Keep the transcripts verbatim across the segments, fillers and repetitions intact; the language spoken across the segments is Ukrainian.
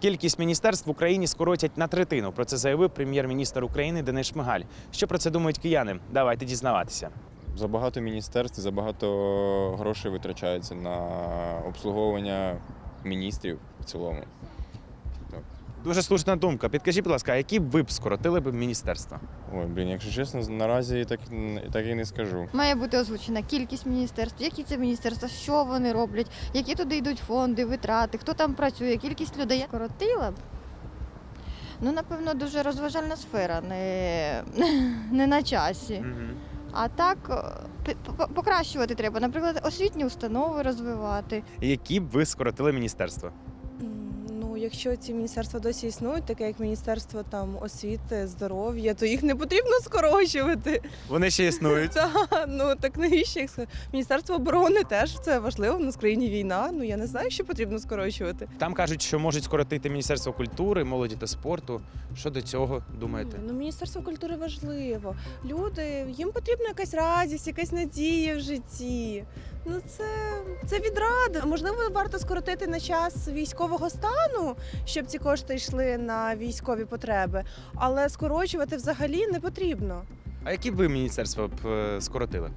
Кількість міністерств в Україні скоротять на третину. Про це заявив прем'єр-міністр України Денис Шмигаль. Що про це думають кияни? Давайте дізнаватися. Забагато міністерств, забагато грошей витрачається на обслуговування міністрів в цілому. Дуже слушна думка. Підкажіть, будь ласка, а які б ви б скоротили б міністерства? Ой, блін, якщо чесно, наразі так, так і не скажу. Має бути озвучена кількість міністерств, які це міністерства, що вони роблять, які туди йдуть фонди, витрати, хто там працює, кількість людей. Скоротила б. Ну, напевно, дуже розважальна сфера, не, не на часі. Угу. А так покращувати треба, наприклад, освітні установи розвивати. Які б ви скоротили міністерства? Ну, якщо ці міністерства досі існують, таке як Міністерство там освіти, здоров'я, то їх не потрібно скорочувати. Вони ще існують. Та, ну так навіщо їх скорочувати? Міністерство оборони теж це важливо, в нас в країні війна. Ну я не знаю, що потрібно скорочувати. Там кажуть, що можуть скоротити Міністерство культури, молоді та спорту. Що до цього думаєте? Ну, Міністерство культури важливо. Люди, їм потрібна якась радість, якась надія в житті. Ну це, це відрада. Можливо, варто скоротити на час військового стану, щоб ці кошти йшли на військові потреби, але скорочувати взагалі не потрібно. А які б ви міністерства б е, скоротили?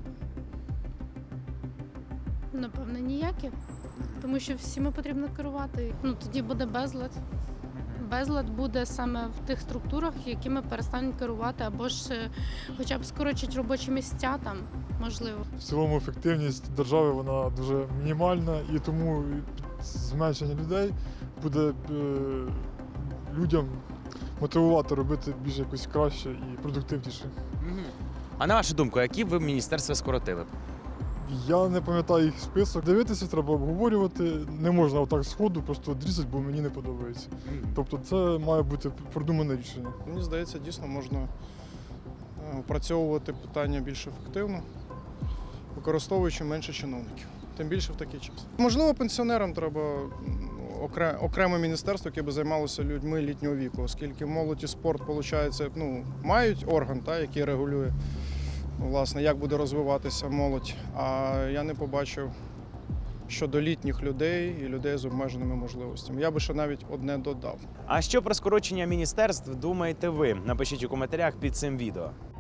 Напевно, ніякі. Тому що всіми потрібно керувати. Ну, тоді буде безлад. Безлад буде саме в тих структурах, якими перестануть керувати, або ж е, хоча б скорочать робочі місця там, можливо. В цілому ефективність держави вона дуже мінімальна, і тому зменшення людей буде е, людям мотивувати робити більш якось краще і продуктивніше. А на вашу думку, які б ви міністерства скоротили б? Я не пам'ятаю їх список. Дивитися треба обговорювати. Не можна отак сходу просто дрізати, бо мені не подобається. Тобто це має бути продумане рішення. Мені здається, дійсно можна опрацьовувати питання більш ефективно, використовуючи менше чиновників. Тим більше в такий час. Можливо, пенсіонерам треба окреме міністерство, яке би займалося людьми літнього віку, оскільки молодь і спорт, виходить, ну, мають орган, та, який регулює, власне, як буде розвиватися молодь. А я не побачив щодо літніх людей і людей з обмеженими можливостями. Я би ще навіть одне додав. А що про скорочення міністерств думаєте ви? Напишіть у коментарях під цим відео.